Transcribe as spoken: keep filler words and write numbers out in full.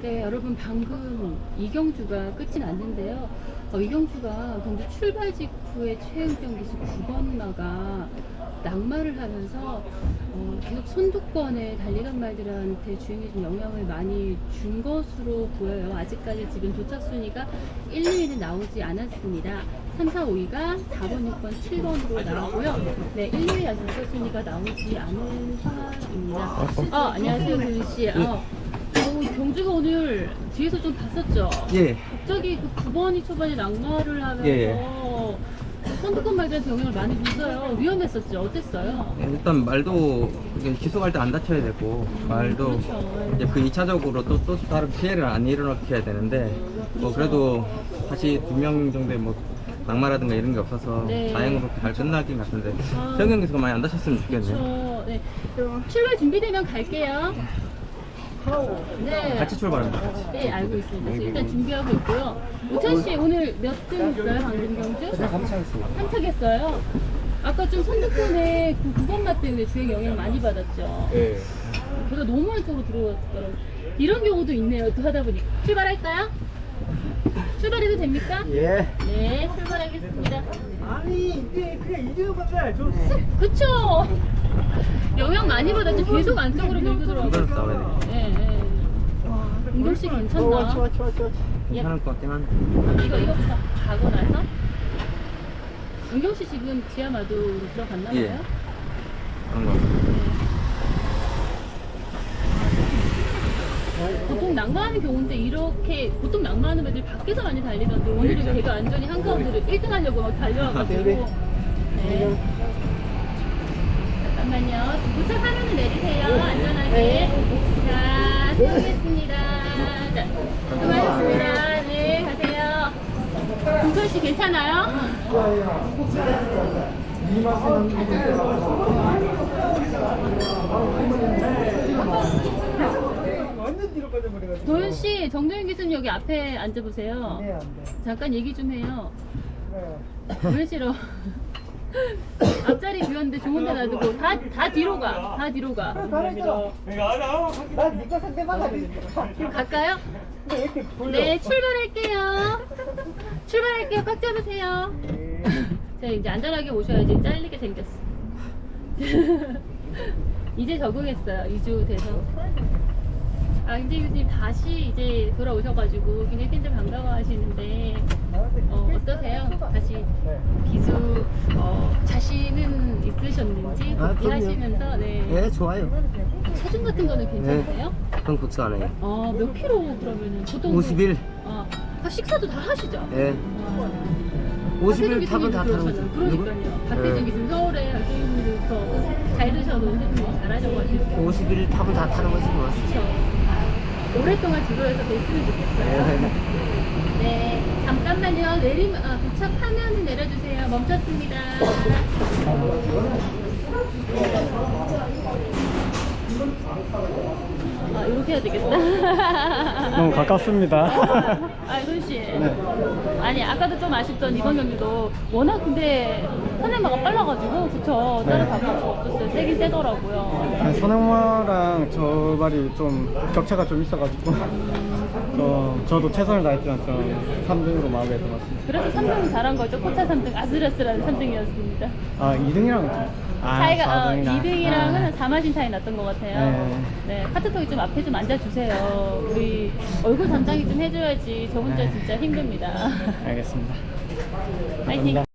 네, 여러분 방금 이경주가 끝이 났는데요. 어, 이경주가 경주 출발 직후에 최은경 기수 구 번마가 낙마를 하면서 어, 계속 선두권에 달리던 말들한테 주행에 좀 영향을 많이 준 것으로 보여요. 아직까지 지금 도착 순위가 일, 이 위는 나오지 않았습니다. 삼, 사, 오 위가 사 번, 육 번, 칠 번으로 나오고요. 네, 일, 이 위 아직 도착 순위가 나오지 않은 상황입니다. 어, 안녕하세요, 도윤씨. 어, 어, 경주가 오늘 뒤에서 좀 봤었죠? 예. 갑자기 그 구 번이 초반에 낙마를 하면서 예. 선두권 말들한테 영향을 많이 줬어요. 위험했었죠? 어땠어요? 일단 말도 이게 기속할 때 안 다쳐야 되고 말도 그렇죠. 이제 그 이 차적으로 또, 또 다른 피해를 안 일어나게 해야 되는데 뭐 그래도 다시 두 명 정도의 뭐 낙마라든가 이런 게 없어서 네. 다행으로 잘 끝나긴 같은데 아. 최은경 기수가 많이 안 다쳤으면 좋겠네요. 그렇죠. 네. 출발 준비되면 갈게요. 네. 같이 출발합니다. 같이. 네, 알고 있습니다. 그래서 일단 준비하고 있고요. 우찬 씨 오늘 몇 등 했어요, 방금 경주? 삼 차 했어요. 아까 좀 선두권에 그 구 번마 때문에 주행 영향 많이 받았죠. 예. 걔가 너무 안쪽으로 들어왔더라고요. 이런 경우도 있네요. 또 하다 보니. 출발할까요? 출발해도 됩니까? 예. 네, 출발하겠습니다. 아니 이제 그냥 이대로 가자. 좀 그쵸? 영향 많이 받았죠. 계속 안쪽으로 밀고 이거는 들어가고. 싸워야 돼. 예, 예. 은경 씨 괜찮나? 좋아 좋아 좋아 좋아. 괜찮을 것 같긴 한데. 이거, 이거부터 가고 나서. 은경 씨 지금 지하마도로 들어갔나 봐요? 예. 그런 거. 보통 낙마하는 경우인데 이렇게 보통 낙마하는 애들 밖에서 많이 달리던데 오늘은 네, 걔가 완전히 한가운데로 일 등 하려고 막 달려와가지고. 네. 잠깐만요. 도착하면 내리세요. 안전하게. 자, 수고하셨습니다. 자, 수고하셨습니다. 네, 가세요. 동선 씨 괜찮아요? 완전 뒤로 빠져버려가지고. 도현 씨, 정도현 기수님 여기 앞에 앉아보세요. 네, 안 돼. 잠깐 얘기 좀 해요. 네. 왜 싫어? 앞자리 비웠는데 좋은 데 놔두고 다, 다 뒤로 가. 다 뒤로 가. 잘했어. 난 니꺼 상대만 하지. 갈까요? 근데 왜 이렇게 돌려? 네, 출발할게요. 출발할게요. 꽉 잡으세요. 자, 이제 안전하게 오셔야지. 잘리게 생겼어. 이제 적응했어요. 이 주 돼서. 아, 근데 교수님 다시 이제 돌아오셔가지고 굉장히 팬들 반가워하시는데 어, 어떠세요? 다시 네. 기수 어, 자신은 있으셨는지 아, 복귀하시면서 네. 네, 좋아요. 체중 같은 거는 괜찮으세요? 그건 걱정 안 해요. 어, 몇 킬로 그러면은 보통 오십일. 어, 아, 식사도 다 하시죠? 예. 오십일 타면 다 타는 거죠. 그러니까요. 박태준 네. 기수님 서울에 학생부터 잘 드셔도 해주고 잘하셔가지고 오십일 타면 다 타는 거지 뭐. 그렇죠. 오랫동안 지도에서 뵀으면 좋겠어요. 네, 잠깐만요. 내리면 아, 도착하면 내려주세요. 멈췄습니다. 아, 이렇게 해야 되겠다. 너무 가깝습니다. 아, 손씨. 아니, 아까도 좀 아쉽던 이번 경기도 워낙 근데 선행마가 빨라가지고, 그쵸. 따라잡을 수가 없었어요. 세긴 세더라고요. 선행마랑 저 말이 좀 격차가 좀 있어가지고 저, 저도 최선을 다했지만 저 삼 등으로 마무리 들어갔습니다. 그래서 삼 등 잘한 거죠. 코차 삼 등, 아슬아슬한 삼 등이었습니다. 아 이 등이랑 아, 차이가 사 어, 등이나. 이 등이랑은 아. 한 사마신 차이 났던 것 같아요. 네. 네, 카트톡이 좀 앞에 좀 앉아주세요. 우리 얼굴 담당이 좀 해줘야지. 저 혼자 네. 진짜 힘듭니다. 알겠습니다. 파이팅!